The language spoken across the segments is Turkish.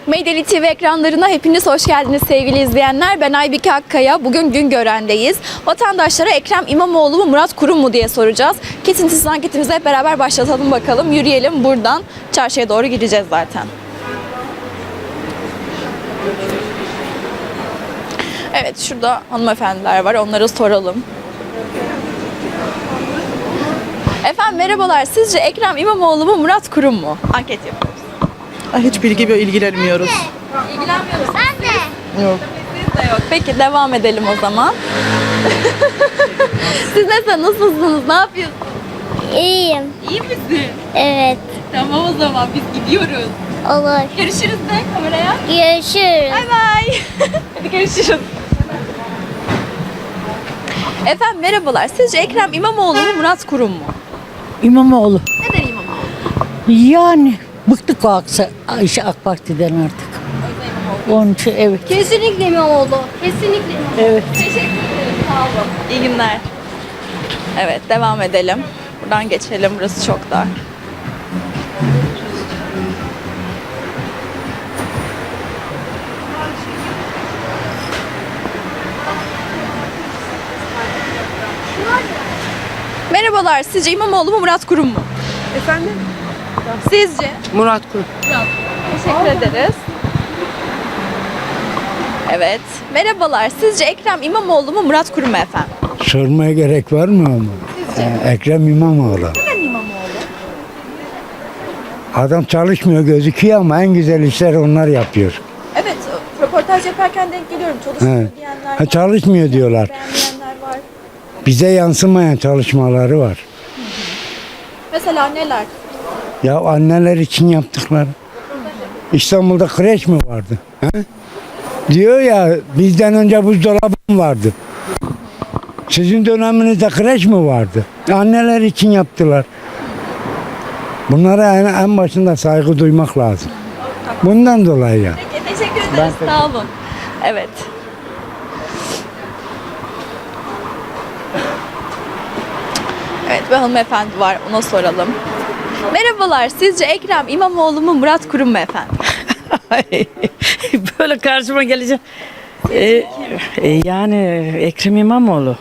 Meydeli TV ekranlarına hepiniz hoş geldiniz sevgili izleyenler. Ben Aybike Akkaya. Bugün Güngören'deyiz. Vatandaşlara Ekrem İmamoğlu mu Murat Kurum mu diye soracağız. Kesintisiz anketimizi hep beraber başlatalım bakalım. Yürüyelim, buradan çarşıya doğru gideceğiz zaten. Evet, şurada hanımefendiler var, onlara soralım. Efendim merhabalar, sizce Ekrem İmamoğlu mu Murat Kurum mu? Anket yapıyoruz. Hiç ilgilenmiyoruz. İlgilenmiyoruz. Ben de. Yok. Biz de yok. Peki devam edelim o zaman. Siz nasılsınız? Ne yapıyorsunuz? İyiyim. İyi misin? Evet. Tamam o zaman biz gidiyoruz. Olur. Görüşürüz de kameraya. Görüşürüz. Bay bay. Hadi görüşürüz. Efendim merhabalar. Sizce Ekrem İmamoğlu mu Murat Kurum mu? İmamoğlu. Neden İmamoğlu? Yani bıktık o AK Parti'den artık. Onun için evet. Kesinlikle İmamoğlu. Kesinlikle İmamoğlu. Evet. Teşekkür ederim. Sağ olun. İyi günler. Evet devam edelim. Buradan geçelim. Burası çok dar. Merhabalar. Sizce İmamoğlu mu Murat Kurum mu? Efendim? Sizce? Murat Kurum. Teşekkür ederiz. Evet. Merhabalar. Sizce Ekrem İmamoğlu mu Murat Kurum mu efendim? Sormaya gerek var mı ama? Ekrem İmamoğlu. Neden İmamoğlu? Adam çalışmıyor gözüküyor ama en güzel işler onlar yapıyor. Evet. Röportaj yaparken denk geliyorum. Çalışmıyor He. diyenler Ha, var. çalışmıyor diyorlar. Beğenmeyenler var. Bize yansımayan çalışmaları var. Mesela neler? Ya anneler için yaptıkları. İstanbul'da kreş mi vardı? He? Diyor ya bizden önce buzdolabı vardı. Sizin döneminizde kreş mi vardı? Anneler için yaptılar. Bunlara en başında saygı duymak lazım. Bundan dolayı ya. Peki, teşekkür ederiz. Sağ olun. Evet. Evet, bir hanımefendi var. Ona soralım. Merhabalar. Sizce Ekrem İmamoğlu mu Murat Kurum mu efendim? Böyle karşıma gelecek. Yani Ekrem İmamoğlu.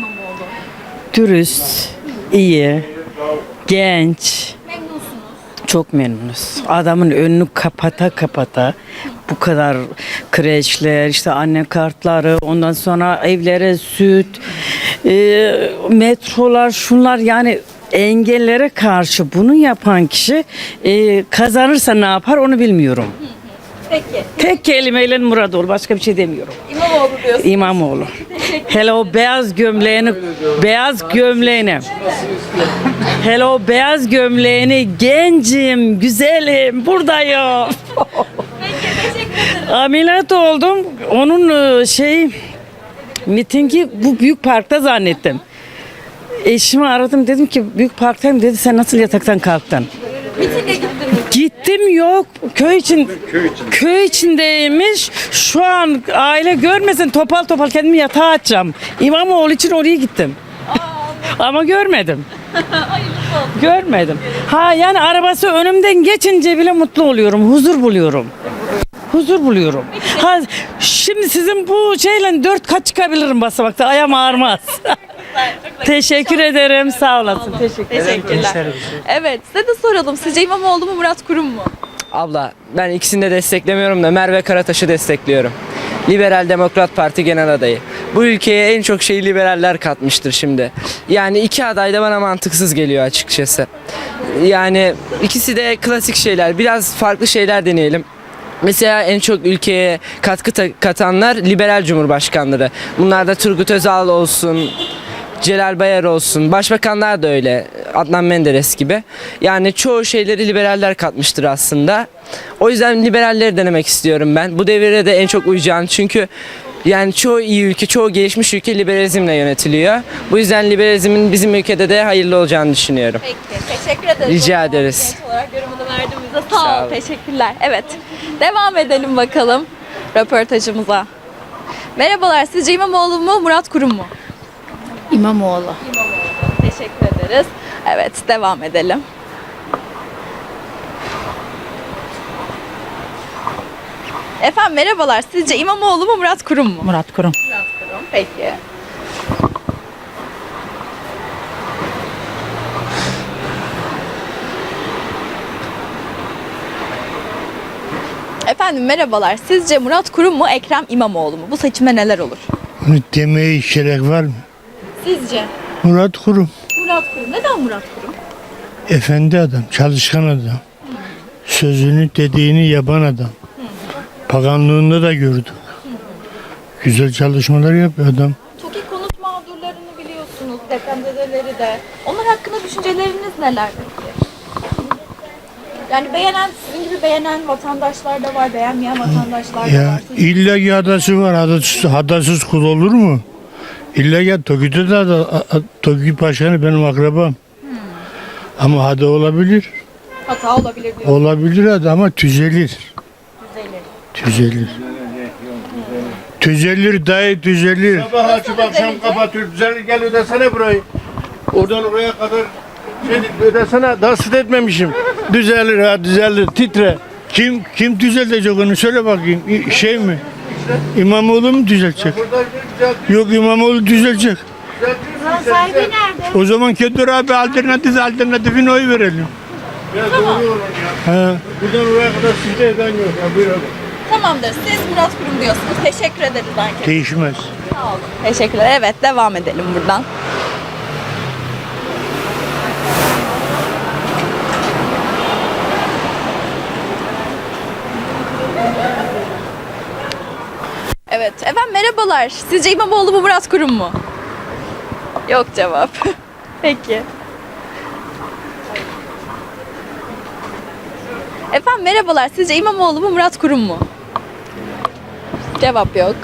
Dürüst, iyi, genç. Memnunsunuz. Çok memnunuz. Adamın önünü kapata bu kadar kreşler, işte anne kartları, ondan sonra evlere süt, metrolar, şunlar, yani engellere karşı bunu yapan kişi kazanırsa ne yapar onu bilmiyorum. Peki. Tek kelimeyle Muradoğlu, başka bir şey demiyorum. İmamoğlu diyorsunuz. İmamoğlu. Hele o beyaz gömleğini. Hele o beyaz gömleğini, gencim, güzelim, buradayım. Ameliyat oldum. Onun mitingi bu büyük parkta zannettim. Eşimi aradım, dedim ki büyük parktayım, dedi sen nasıl yataktan kalktın? Mitinge gittiniz. Gittim, yok, köy içindeymiş. Şu an aile görmesin, topal kendimi yatağa atacağım. İmamoğlu için oraya gittim. Ama görmedim. Görmedim. Ha, yani arabası önümden geçince bile mutlu oluyorum, huzur buluyorum. Ha, şimdi sizin bu şeyle 4 kat çıkabilirim basamakta, ayağım ağrımaz. Teşekkür ederim, sağ olasın. Teşekkürler. Evet, size de soralım. Sizce İmamoğlu mu Murat Kurum mu? Abla ben ikisini de desteklemiyorum da Merve Karataş'ı destekliyorum. Liberal Demokrat Parti genel adayı. Bu ülkeye en çok şeyi liberaller katmıştır şimdi. Yani iki aday da bana mantıksız geliyor açıkçası. Yani ikisi de klasik şeyler. Biraz farklı şeyler deneyelim. Mesela en çok ülkeye katkı katanlar liberal cumhurbaşkanları. Bunlar da Turgut Özal olsun, Celal Bayar olsun, başbakanlar da öyle, Adnan Menderes gibi. Yani çoğu şeyleri liberaller katmıştır aslında. O yüzden liberalleri denemek istiyorum ben. Bu devire de en çok uyacağını, çünkü yani çoğu iyi ülke, çoğu gelişmiş ülke liberalizmle yönetiliyor. Bu yüzden liberalizmin bizim ülkede de hayırlı olacağını düşünüyorum. Peki, teşekkür ederiz. Rica O zaman ederiz. genç olarak yorumunu verdiğimizde sağ Sağ ol. olun. Teşekkürler. Evet, devam edelim bakalım röportajımıza. Merhabalar, sizce İmamoğlu mu Murat Kurum mu? İmamoğlu. Teşekkür ederiz. Evet, devam edelim. Efendim merhabalar. Sizce İmamoğlu mu Murat Kurum mu? Murat Kurum. Murat Kurum. Peki. Efendim merhabalar. Sizce Murat Kurum mu Ekrem İmamoğlu mu? Bu seçimde neler olur? Bunu demeye hiç gerek var mı? Sizce? Murat Kurum. Murat Kurum. Neden Murat Kurum? Efendi adam, çalışkan adam. Sözünü dediğini yapan adam. Paganlığında da gördük. Güzel çalışmalar yapıyor adam. TOKİ konut mağdurlarını biliyorsunuz. Depremzedeleri de. Onlar hakkında düşünceleriniz neler peki? Yani beğenen, sizin gibi beğenen vatandaşlar da var, beğenmeyen vatandaşlar da Ya var. illa ki hadası var. Hadasız kul olur mu? İlla ki TOKİ'de de TOKİ Başkanı benim akrabam. Ama hada olabilir. Hata olabilir diyor. Olabilir ama düzelir. Düzelir. Düzelir dayı düzelir. Sabah açıp akşam kapatıyor. Düzenli gel ödesene burayı. Oradan oraya kadar ödesene. Daha süt etmemişim. Düzelir ha düzelir. Titre. Kim düzeltecek onu söyle bakayım. Şey mi? İmamoğlu mu düzeltecek? Yok İmamoğlu düzelecek. Sahibi nerede? O zaman Kedur abi alternatifine oy verelim. Biraz doğru olur ya. He. Buradan oraya kadar süt eden yok. Ya, buyur abi. Tamamdır. Siz Murat Kurum diyorsunuz. Teşekkür ederiz anket. Değişmez. Sağ olun. Teşekkürler. Evet devam edelim buradan. Evet. Efendim merhabalar. Sizce İmamoğlu mu Murat Kurum mu? Yok cevap. Peki. Efendim merhabalar. Sizce İmamoğlu mu Murat Kurum mu? Cevap yok.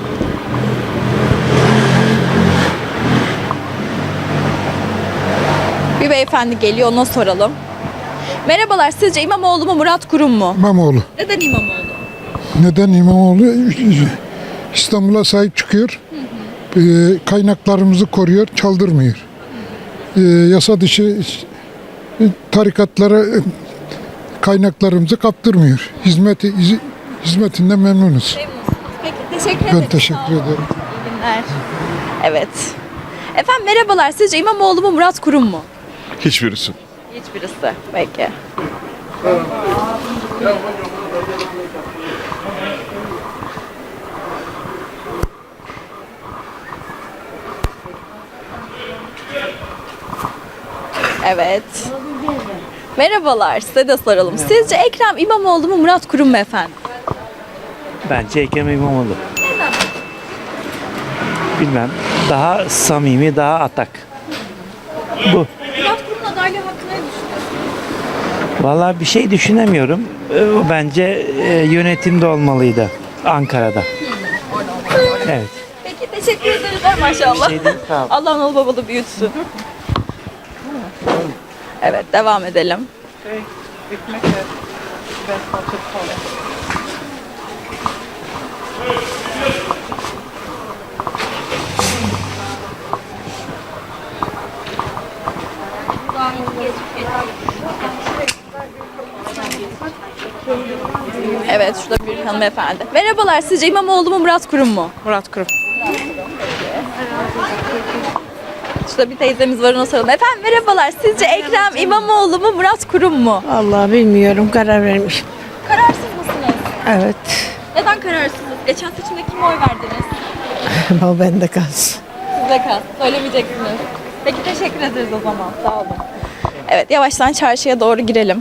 Bir beyefendi geliyor, ona soralım. Merhabalar, sizce İmamoğlu mu Murat Kurum mu? İmamoğlu. Neden İmamoğlu? Neden İmamoğlu? İstanbul'a sahip çıkıyor. Kaynaklarımızı koruyor, çaldırmıyor. Yasa dışı tarikatlara kaynaklarımızı kaptırmıyor. Hizmetinden memnunuz. Peki, teşekkür ederim. Ben teşekkür Sağ olun. ederim. İyi günler. Evet. Efendim merhabalar, sizce İmamoğlu mu Murat Kurum mu? Hiçbirisi. Hiçbirisi. Peki. Evet. Merhabalar, size de soralım. Sizce Ekrem İmamoğlu mu Murat Kurum mu efendim? Bence Ekrem İmamoğlu. Bilmem. Daha samimi, daha atak. Bu. Murat Kurum'un adaylığı hakkında ne düşünüyorsunuz? Vallahi bir şey düşünemiyorum. O bence yönetimde olmalıydı. Ankara'da. Evet. Peki teşekkür ederiz maşallah. Bir şey değil, sağ ol. Allah analı babalı büyütsün. Evet devam edelim. Evet şurada bir hanımefendi. Merhabalar, sizce İmamoğlu mu Murat Kurum mu? Murat Kurum. Şurada bir teyzemiz var, ona soralım. Efendim merhabalar, sizce Ekrem İmamoğlu mu Murat Kurum mu? Allah bilmiyorum, karar vermişim. Kararsız mısınız? Evet. Neden kararsınız? Geçen seçimde kime oy verdiniz? O bende kalsın. Size kalsın. Söylemeyeceksiniz. Peki teşekkür ederiz o zaman. Sağ olun. Evet yavaştan çarşıya doğru girelim.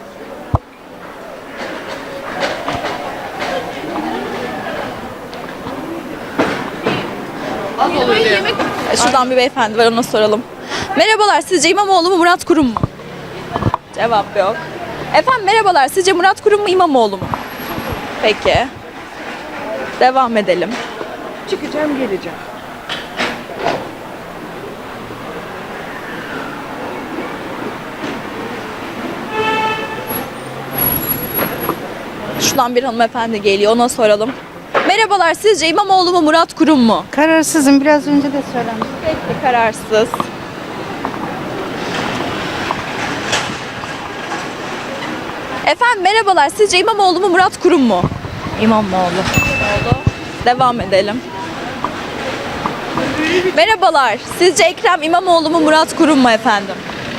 Şuradan bir beyefendi var, ona soralım. Merhabalar, sizce İmamoğlu mu Murat Kurum mu? Cevap yok. Efendim merhabalar, sizce Murat Kurum mu İmamoğlu mu? Peki. Devam edelim. Çıkacağım, geleceğim. Şuradan bir hanımefendi geliyor, ona soralım. Merhabalar, sizce İmamoğlu mu Murat Kurum mu? Kararsızım, biraz önce de söylemiştim. Peki, kararsız. Efendim merhabalar, sizce İmamoğlu mu Murat Kurum mu? İmamoğlu. Devam edelim. Merhabalar. Sizce Ekrem İmamoğlu mu Murat Kurum mu efendim?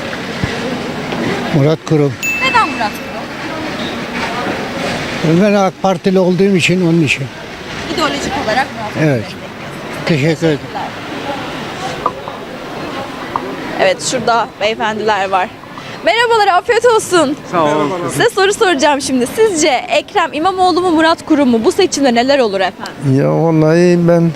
Murat Kurum. Neden Murat Kurum? Ben AK Partili olduğum için onun için. İdeolojik olarak Murat Kurum. Evet. Teşekkür ederim. Evet, şurada beyefendiler var. Merhabalar, afiyet olsun. Sağ olun. Size soru soracağım şimdi. Sizce Ekrem İmamoğlu mu Murat Kurum mu? Bu seçimde neler olur efendim? Ya vallahi ben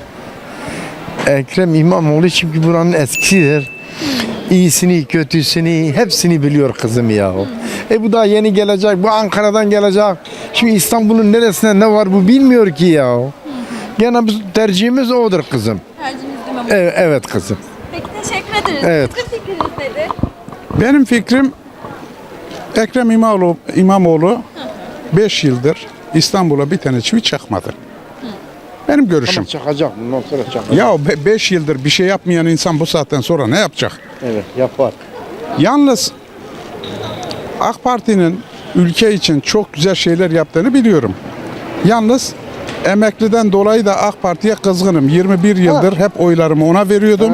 Ekrem İmamoğlu çünkü buranın eskisidir. İyisini, kötüsünü, hepsini biliyor kızım ya. Bu da yeni gelecek, bu Ankara'dan gelecek. Şimdi İstanbul'un neresinde ne var bu bilmiyor ki ya. Gene biz tercihimiz odur kızım. Tercihiniz İmamoğlu. Evet, evet kızım. Peki, teşekkür ederiz. Evet. Sizin fikriniz nedir? Benim fikrim Ekrem İmamoğlu 5 yıldır İstanbul'a bir tane çivi çakmadı. Benim görüşüm. Çakacak, bundan sonra çakacak. Ya 5 yıldır bir şey yapmayan insan bu saatten sonra ne yapacak? Evet, yapar. Yalnız AK Parti'nin ülke için çok güzel şeyler yaptığını biliyorum. Yalnız emekliden dolayı da AK Parti'ye kızgınım. 21 yıldır hep oylarımı ona veriyordum.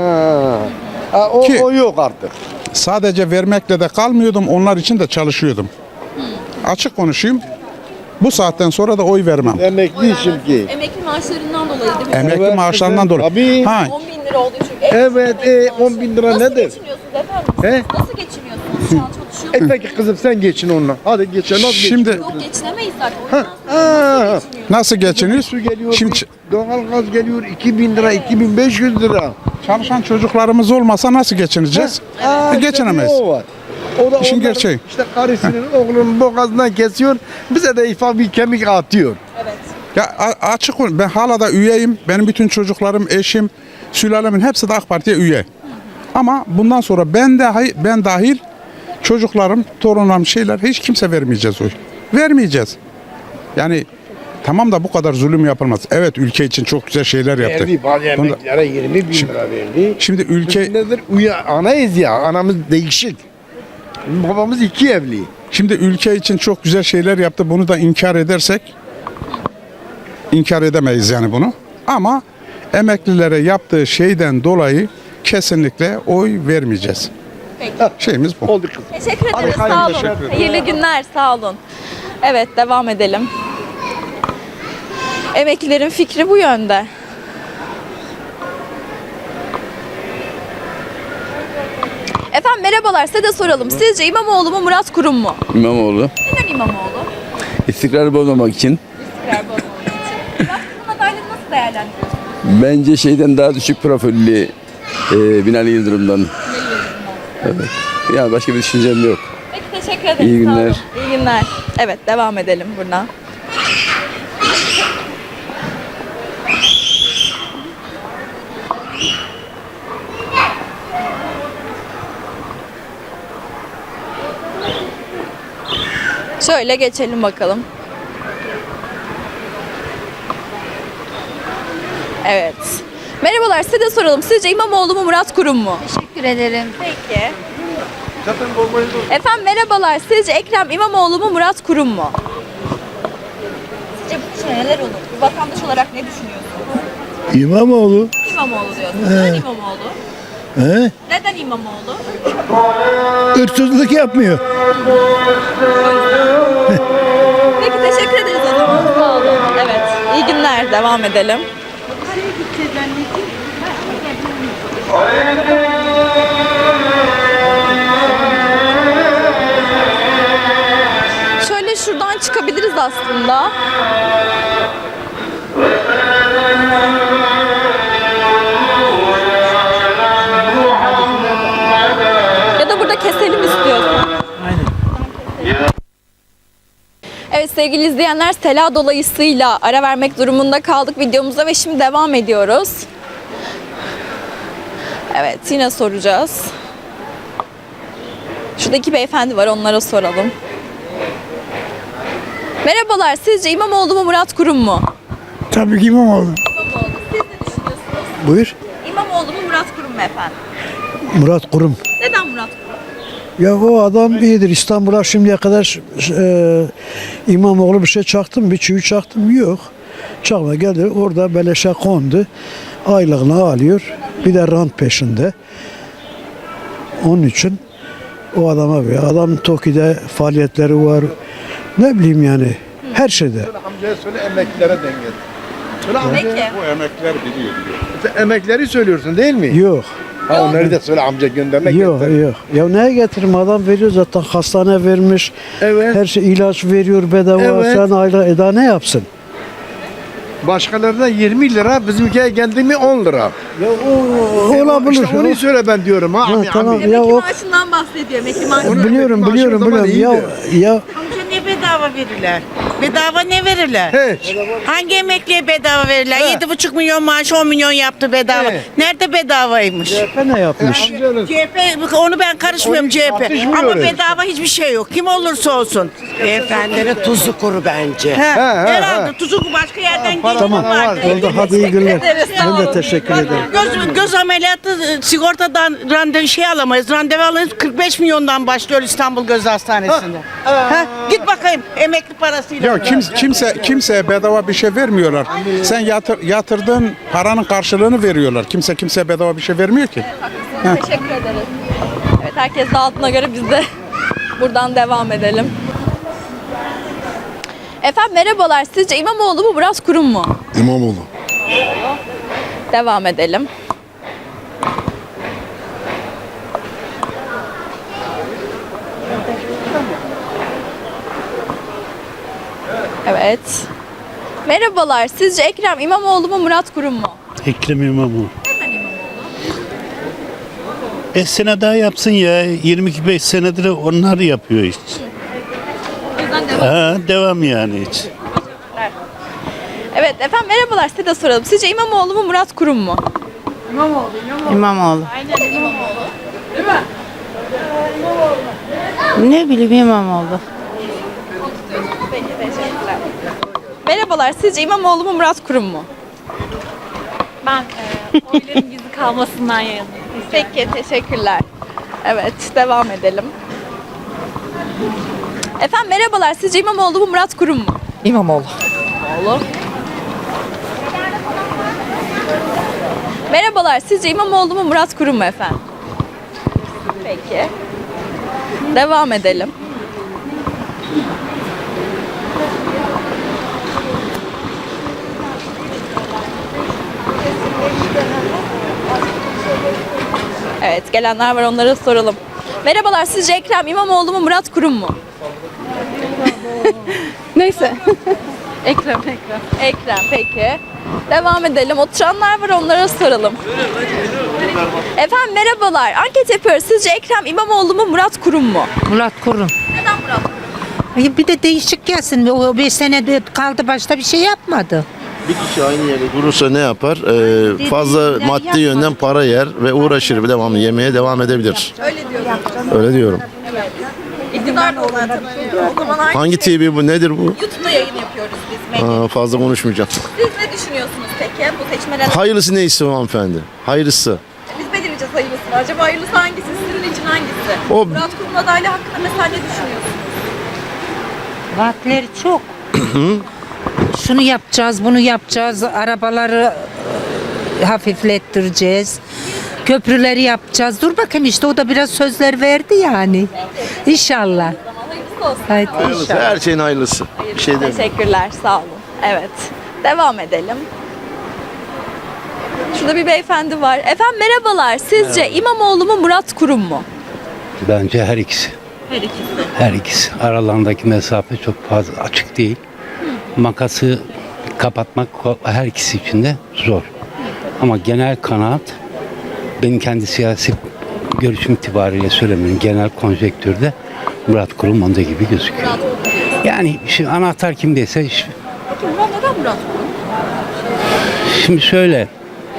Ki- O yok artık. Sadece vermekle de kalmıyordum. Onlar için de çalışıyordum. Açık konuşayım. Bu saatten sonra da oy vermem. Emekli çünkü. Emekli maaşlarından dolayı değil mi? Emekli Evet, maaşlarından kızım, dolayı. tabii. Ha, 10 bin lira olduğu için. Evet, 10 bin lira Nasıl nedir? geçiniyorsunuz efendim? He? Nasıl geçiniyorsunuz? Şu an çalışıyor musunuz? Peki kızım sen geçin onunla. Hadi geçin. Nasıl şimdi Yok, geçinemeyiz zaten. O yüzden sonra nasıl geçiniyor? Su geliyor, Şimdi doğalgaz geliyor 2000 lira, 2500 lira. çalışan çocuklarımız olmasa nasıl geçineceğiz? Geçinemeyiz. O var. O da İşin onların gerçeği. İşte karısının oğlunun boğazından kesiyor. Bize de ifa bir kemik atıyor. Ya açık ol- ben hala da üyeyim. Benim bütün çocuklarım, eşim, sülalemin hepsi de AK Parti'ye üye. Ama bundan sonra ben dahil çocuklarım, torunlarım şeyler hiç kimse vermeyeceğiz oy. Vermeyeceğiz. Yani tamam da bu kadar zulüm yapılmaz. Evet, ülke için çok güzel şeyler yaptı. Verdi bazı Bunda- emeklilere 20 bin lira verdi. Şimdi ülke Nedir? Anayız ya. Anamız değişik. Babamız 2 evli. Şimdi ülke için çok güzel şeyler yaptı. Bunu da inkar edersek inkar edemeyiz yani bunu. Ama emeklilere yaptığı şeyden dolayı kesinlikle oy vermeyeceğiz. Peki. Şeyimiz bu. Oldu kızım. Teşekkür ederiz. hayırlı Sağ olun. teşekkür ederim. Hayırlı günler. Sağ olun. Evet, devam edelim. Emeklilerin fikri bu yönde. Efendim merhabalar, size de soralım. Sizce İmamoğlu mu Murat Kurum mu? İmamoğlu. Neden İmamoğlu? İstikrarı bozmamak için. İstikrar bozmamak için. Murat Kurum adaylığını nasıl değerlendiriyorsunuz? Bence şeyden daha düşük profilli Binali Yıldırım'dan. Evet. Yani başka bir düşüncem yok. Peki, teşekkür ederim. İyi Sağ olun. günler. İyi günler. Evet, devam edelim buradan. Şöyle geçelim bakalım. Evet. Merhabalar, size de soralım. Sizce İmamoğlu mu Murat Kurum mu? Teşekkür ederim. Peki. Efendim merhabalar. Sizce Ekrem İmamoğlu mu Murat Kurum mu? Sizce bu seçimde neler olur? Bir vatandaş olarak ne düşünüyorsunuz? İmamoğlu. İmamoğlu diyorsunuz. Neden İmamoğlu? He? Neden İmamoğlu? Hırsızlık yapmıyor. Peki, teşekkür ederiz o zaman. Sağ olun. Evet. İyi günler. Devam edelim. Şöyle şuradan çıkabiliriz aslında. Ya da burada keselim istiyorsan. Evet sevgili izleyenler, sela dolayısıyla ara vermek durumunda kaldık videomuza ve şimdi devam ediyoruz. Evet, yine soracağız. Şurada iki beyefendi var, onlara soralım. Merhabalar, sizce İmamoğlu mu Murat Kurum mu? Tabii ki İmamoğlu. İmamoğlu. Siz ne düşünüyorsunuz? Buyur. İmamoğlu mu Murat Kurum mu efendim? Murat Kurum. Neden Murat Kurum? Ya o adam iyidir. İstanbul'a şimdiye kadar İmamoğlu bir şey çaktı mı? Bir çivi çaktı mı? Yok. Çakma geldi orada beleşe kondu. Aylığını alıyor. Bir de rant peşinde. Onun için o adama bir adam TOKİ'de faaliyetleri var. Ne bileyim yani her şeyde. Amcaya söyle emeklilere denge. Söyle Peki. Bu emekliler biliyor. Sen emekleri söylüyorsun değil mi? Yok. Ha, onları da söyle amca göndermek Yok yok. Ya neye getirim adam veriyor zaten hastane vermiş. Evet. Her şey ilaç veriyor bedava. Evet. Sen aylık eda ne yapsın? Başkalarına 20 lira, bizimkiye geldi mi 10 lira. Ya o olabilir. İşte onu söyle ben diyorum ha. Ha, tamam. Ami. Ya o maaşından bahsediyor. Emekli maaşı. Onu biliyorum emekli maaşı o zaman biliyorum. Ya Amca ne bedava verirler? Bedava ne verirler? Hiç. Hangi emekliye bedava verirler? He. 7,5 milyon maaş 10 milyon yaptı bedava. He. Nerede bedavaymış? CHP ne yapmış? CHP onu ben karışmıyorum Onu CHP. tartışmıyoruz. Ama bedava hiçbir şey yok. Kim olursa olsun. Beyefendinin tuzu kuru bence. Herhalde tuzu başka yerden Para geliyor var. vardı. Oldu hadi iyi günler. ederiz, sağ Ben de olun. teşekkür Bak, ederim. göz ameliyatı sigortadan randevu alamayız. Randevu alamayız. 45 milyondan başlıyor İstanbul Göz Hastanesi'nde. Git bakayım emekli parasıyla. Ya kimseye bedava bir şey vermiyorlar. Sen yatırdığın paranın karşılığını veriyorlar. Kimseye bedava bir şey vermiyor ki. Teşekkür ederiz. Evet, herkes dağıttığına göre biz de buradan devam edelim. Efendim merhabalar. Sizce İmamoğlu mu Murat Kurum mu? İmamoğlu. Devam edelim. Evet. Merhabalar. Sizce Ekrem İmamoğlu mu Murat Kurum mu? Ekrem İmamoğlu. 5 sene daha yapsın ya. 25 senedir onlar yapıyor hiç. Devam yani hiç. Evet efendim merhabalar. Size de soralım. Sizce İmamoğlu mu Murat Kurum mu? İmamoğlu. Aynen İmamoğlu. Ne bileyim İmamoğlu. Peki teşekkürler. Merhabalar. Sizce İmamoğlu mu Murat Kurum mu? Ben oyların gizli kalmasından yanayım. Peki teşekkürler. Evet devam edelim. Efendim merhabalar. Sizce İmamoğlu mu Murat Kurum mu? İmamoğlu. İmamoğlu. Merhabalar. Sizce İmamoğlu mu Murat Kurum mu efendim? Peki. Devam edelim. Evet gelenler var onlara soralım. Merhabalar sizce Ekrem İmamoğlu mu Murat Kurum mu? Neyse. Ekrem. Ekrem peki. Devam edelim. Oturanlar var onlara soralım. Efendim merhabalar. Anket yapıyoruz. Sizce Ekrem İmamoğlu mu Murat Kurum mu? Murat Kurum. Neden Murat Kurum? Bir de değişik gelsin. O 5 senede kaldı başta bir şey yapmadı. Bir kişi aynı yerde durursa ne yapar? Fazla maddi yönden para yer ve uğraşır bir devamlı yemeye devam edebilir. Öyle diyorum. Öyle diyorum. İktidar da olan tabii. O zaman Hangi TV bu? Nedir bu? YouTube'da yayın yapıyoruz biz. Medya. Fazla konuşmayacağım. Siz ne düşünüyorsunuz peki bu seçmeler? Hayırlısı neyse o hanımefendi. Hayırlısı. Biz belirleyeceğiz hayırlısını. Acaba hayırlısı hangisi? Sizin için hangisi? O- Murat Kurum'un adaylığı hakkında mesela ne düşünüyorsunuz? Vaatleri çok. Şunu yapacağız, bunu yapacağız. Arabaları hafiflettireceğiz. Köprüleri yapacağız. Dur bakayım işte o da biraz sözler verdi yani. İnşallah. Hayırlısı olsun. Haydi Hayırlısı. inşallah. Her şeyin hayırlısı. Bir şey demiyorum. Teşekkürler, sağ olun. Evet, devam edelim. Şurada bir beyefendi var. Efendim merhabalar. Sizce İmamoğlu mu Murat Kurum mu? Bence her ikisi. Her ikisi. Her ikisi. Aralarındaki mesafe çok fazla açık değil. Makası kapatmak her ikisi için de zor. Ama genel kanaat benim kendi siyasi görüşüm itibariyle söylemiyorum. Genel konjektürde Murat Kurum onda gibi gözüküyor. Yani şimdi anahtar kimdeyse Peki neden Murat Kurum? şimdi şöyle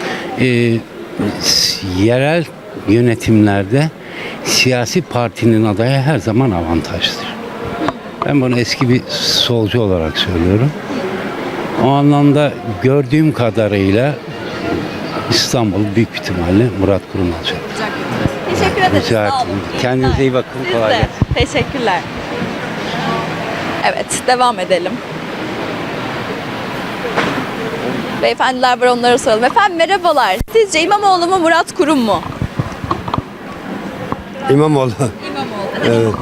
yerel yönetimlerde siyasi partinin adayı her zaman avantajlıdır. Ben bunu eski bir solcu olarak söylüyorum. O anlamda gördüğüm kadarıyla İstanbul büyük ihtimalle Murat Kurum alacak. Teşekkür ederiz. Rica Sağ olun. ederim. İyi Kendinize günler. iyi bakın. Siz Kolay de. gelsin. Teşekkürler. Evet, devam edelim. Beyefendiler var, onlara soralım. Efendim merhabalar. Sizce İmamoğlu mu Murat Kurum mu? İmamoğlu. İmamoğlu. Neden İmamoğlu?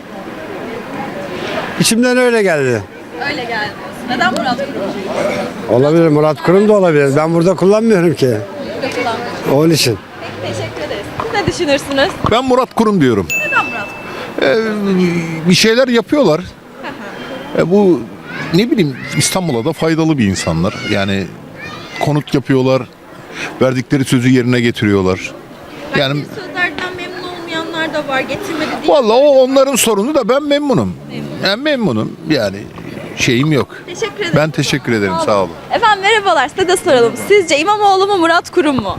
İçimden öyle geldi. Öyle geldi. Neden Murat Kurum? Olabilir, Murat Kurum da olabilir. Ben burada kullanmıyorum ki. Onun için. Teşekkür ederiz. Siz ne düşünürsünüz? Ben Murat Kurum diyorum. Neden Murat Kurum? Bir şeyler yapıyorlar. Bu ne bileyim İstanbul'a da faydalı bir insanlar. Yani konut yapıyorlar. Verdikleri sözü yerine getiriyorlar. Yani Sözlerden memnun olmayanlar da var. Getirmedi değil. vallahi o onların sorunu da ben memnunum. Yani memnunum. Yani şeyim yok. Teşekkür ederim. Ben teşekkür ederim. Sağ olun. Efendim merhabalar. Size de soralım. Sizce İmamoğlu mu Murat Kurum mu?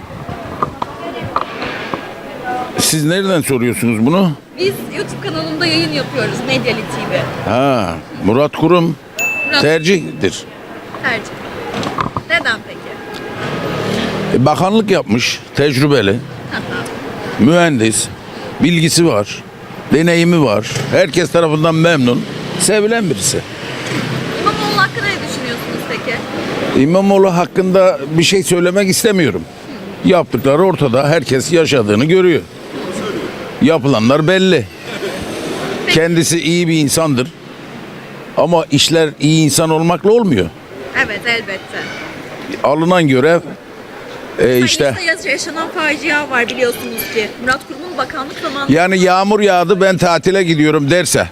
Siz nereden soruyorsunuz bunu? Biz YouTube kanalında yayın yapıyoruz. Medyali TV. Ha, Murat Kurum Murat tercihtir. tercih. Neden peki? Bakanlık yapmış, tecrübeli, mühendis, bilgisi var, deneyimi var. Herkes tarafından memnun, sevilen birisi. İmamoğlu hakkında ne düşünüyorsunuz peki? İmamoğlu hakkında bir şey söylemek istemiyorum. Yaptıkları ortada, herkes yaşadığını görüyor. Yapılanlar belli. Kendisi iyi bir insandır. Ama işler iyi insan olmakla olmuyor. Evet elbette. Alınan görev işte İşte yaşanan facia var biliyorsunuz ki. Murat Kurum'un bakanlık zamanında... yani yağmur yağdı ben tatile gidiyorum derse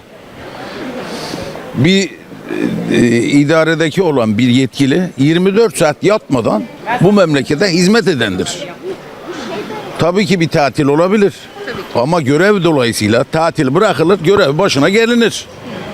bir idaredeki olan bir yetkili 24 saat yatmadan bu memlekete hizmet edendir. Tabii ki bir tatil olabilir. Ama görev dolayısıyla tatil bırakılır, görev başına gelinir.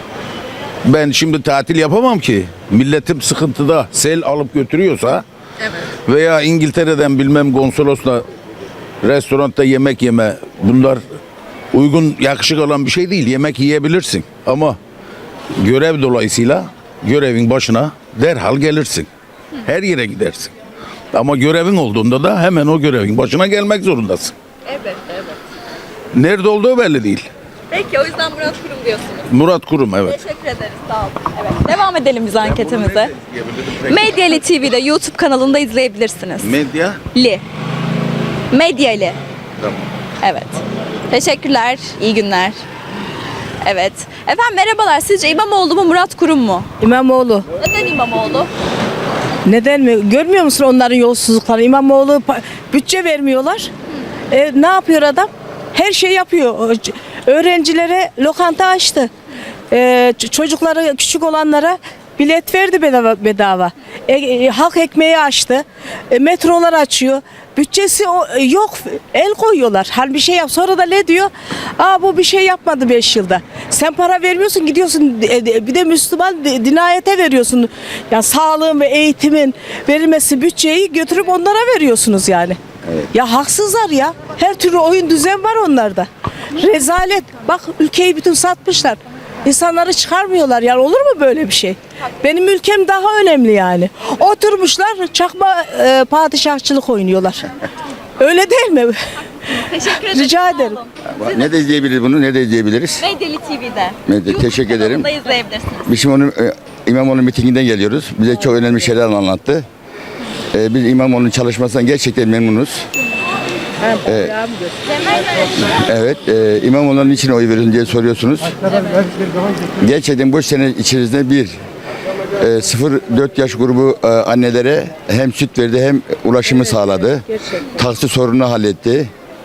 Ben şimdi tatil yapamam ki. Milletim sıkıntıda, sel alıp götürüyorsa veya İngiltere'den bilmem konsolosla restoranda yemek yeme, bunlar uygun, yakışık olan bir şey değil. Yemek yiyebilirsin ama görev dolayısıyla görevin başına derhal gelirsin. Her yere gidersin. Ama görevin olduğunda da hemen o görevin başına gelmek zorundasın. Evet. Nerede olduğu belli değil. Peki o yüzden Murat Kurum diyorsunuz. Murat Kurum, evet. Teşekkür ederiz. Sağ olun. Evet. Devam edelim biz anketimize. Medyali TV'de YouTube kanalında izleyebilirsiniz. Medya. Medyali. Tamam. Evet. Teşekkürler. İyi günler. Evet. Efendim merhabalar. Sizce İmamoğlu mu Murat Kurum mu? İmamoğlu. Neden İmamoğlu? Neden mi? Görmüyor musun onların yolsuzlukları? İmamoğlu bütçe vermiyorlar. Ne yapıyor adam? Her şey yapıyor. Öğrencilere lokanta açtı. Çocukları küçük olanlara bilet verdi bedava. Halk ekmeği açtı. Metrolar açıyor. Bütçesi yok. El koyuyorlar. Hal bir şey yap. Sonra da ne diyor? Bu bir şey yapmadı 5 yılda. Sen para vermiyorsun, gidiyorsun bir de Müslüman dinayete veriyorsun. Ya sağlığın ve eğitimin verilmesi bütçeyi götürüp onlara veriyorsunuz yani. Ya haksızlar ya. Her türlü oyun düzen var onlarda. Rezalet. Bak ülkeyi bütün satmışlar. İnsanları çıkarmıyorlar yani, olur mu böyle bir şey? Benim ülkem daha önemli yani. Oturmuşlar çakma padişahçılık oynuyorlar. Öyle değil mi? Teşekkür ederim. Rica ederim. Ne de izleyebiliriz bunu, ne de izleyebiliriz? Medyali TV'de. Medya, YouTube teşekkür ederim. kanalında izleyebilirsiniz. Biz şimdi onun İmamoğlu mitinginden geliyoruz. Bize çok önemli şeyler anlattı. Biz İmamoğlu'nun çalışmasından gerçekten memnunuz. Evet, İmamoğlu'nun için oy verin diye soruyorsunuz. Gerçekten bu sene içerisinde 0-4 yaş grubu annelere hem süt verdi hem ulaşımı sağladı. Taksi sorununu halletti.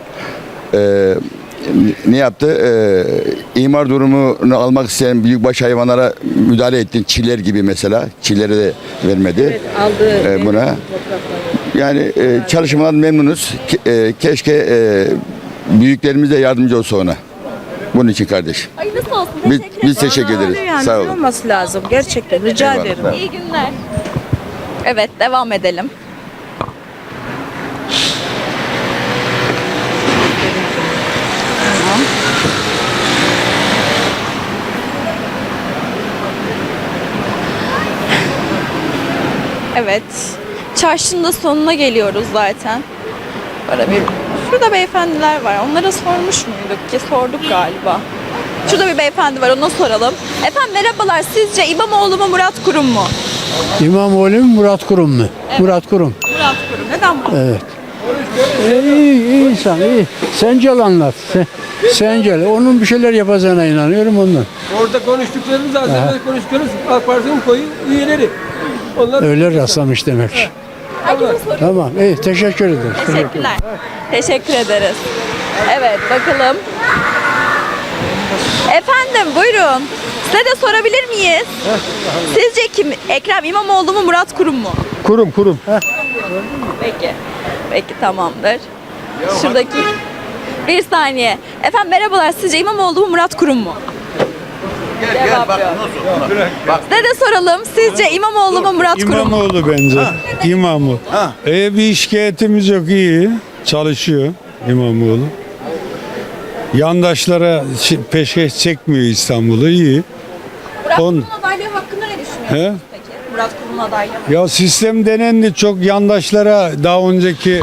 Ne yaptı? İmar durumunu almak isteyen büyükbaş hayvanlara müdahale etti. Çiller gibi mesela. Çillere de vermedi. Aldı buna. Yani çalışmadan memnunuz. Keşke büyüklerimiz de yardımcı olsa ona. Bunun için kardeş. Ay nasıl olsun? Biz teşekkür ederiz. yani, Sağ olun. olması lazım gerçekten. Rica Eyvallah. ederim. İyi günler. Evet devam edelim. Evet. Çarşının da sonuna geliyoruz zaten. Böyle bir Şurada beyefendiler var. Onlara sormuş muyduk ki? Sorduk galiba. Şurada bir beyefendi var, ona soralım. Efendim merhabalar, sizce İmamoğlu mu Murat Kurum mu? İmamoğlu mu Murat Kurum mu? Murat Kurum. Murat Kurum. Neden Murat? Evet. İyi insan, iyi. Sence anlat. Sence. Onun bir şeyler yapacağına inanıyorum ondan. Orada konuştuklarımız zaten konuştuklarımız AK Parti'nin koyu üyeleri. Onlar Öyle rastlamış demek. Tamam, iyi. Teşekkür ederim. Teşekkürler. Teşekkür ederiz. Evet, bakalım. Efendim buyurun. Size de sorabilir miyiz? Sizce kim? Ekrem İmamoğlu mu Murat Kurum mu? Kurum. Peki. Peki tamamdır. Şuradaki bir saniye. Efendim merhabalar. Sizce İmamoğlu mu Murat Kurum mu? Cevap yok. Size de soralım. Sizce İmamoğlu mu Murat Kurum mu? İmamoğlu bence. İmamoğlu. Bir şikayetimiz yok, iyi. Çalışıyor İmamoğlu. Yandaşlara peşkeş çekmiyor İstanbul'u, iyi. Murat Kurum'un adaylığı hakkında ne düşünüyorsunuz peki? Murat Kurum'un adaylığı. Ya sistem denendi, çok yandaşlara daha önceki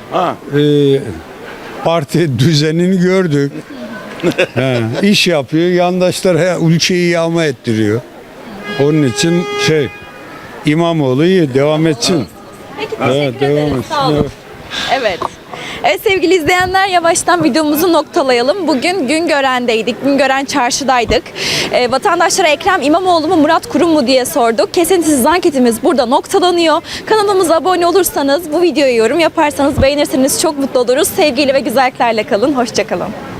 parti düzenini gördük. İş yapıyor, yandaşlara ülkeyi yağma ettiriyor. Onun için İmamoğlu iyi, devam etsin. Peki teşekkür ederiz. Sağ olun. Evet. Evet sevgili izleyenler, yavaştan videomuzu noktalayalım. Bugün Güngören'deydik. Güngören çarşıdaydık. Vatandaşlara Ekrem İmamoğlu mu Murat Kurum mu diye sorduk. Kesintisiz anketimiz burada noktalanıyor. Kanalımıza abone olursanız, bu videoya yorum yaparsanız, beğenirseniz çok mutlu oluruz. Sevgiyle ve güzelliklerle kalın. Hoşça kalın.